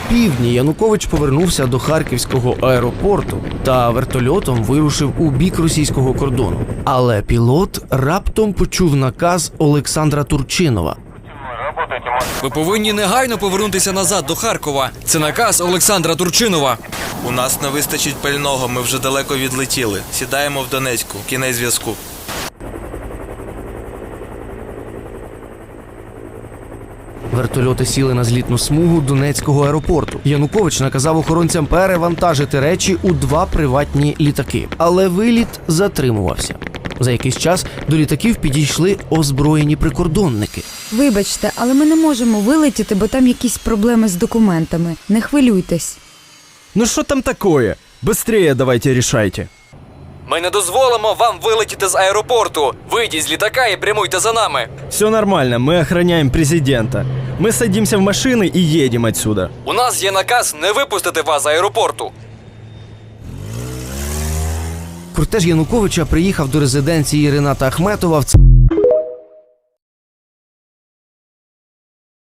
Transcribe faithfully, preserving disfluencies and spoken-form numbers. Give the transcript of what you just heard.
півдні Янукович повернувся до Харківського аеропорту та вертольотом вирушив у бік російського кордону. Але пілот раптом почув наказ Олександра Турчинова. Ви повинні негайно повернутися назад до Харкова. Це наказ Олександра Турчинова. У нас не вистачить пального, ми вже далеко відлетіли. Сідаємо в Донецьку. Кінець зв'язку. Вертольоти сіли на злітну смугу Донецького аеропорту. Янукович наказав охоронцям перевантажити речі у два приватні літаки. Але виліт затримувався. За якийсь час до літаків підійшли озброєні прикордонники. Вибачте, але ми не можемо вилетіти, бо там якісь проблеми з документами. Не хвилюйтесь. Ну що там такое? Быстрее давайте решайте. Ми не дозволимо вам вилетіти з аеропорту. Вийдіть з літака і прямуйте за нами. Все нормально, мы охраняем президента. Мы садимся в машины и едем отсюда. У нас є наказ не випустити вас з аеропорту. Кортеж Януковича приїхав до резиденції Рената Ахметова в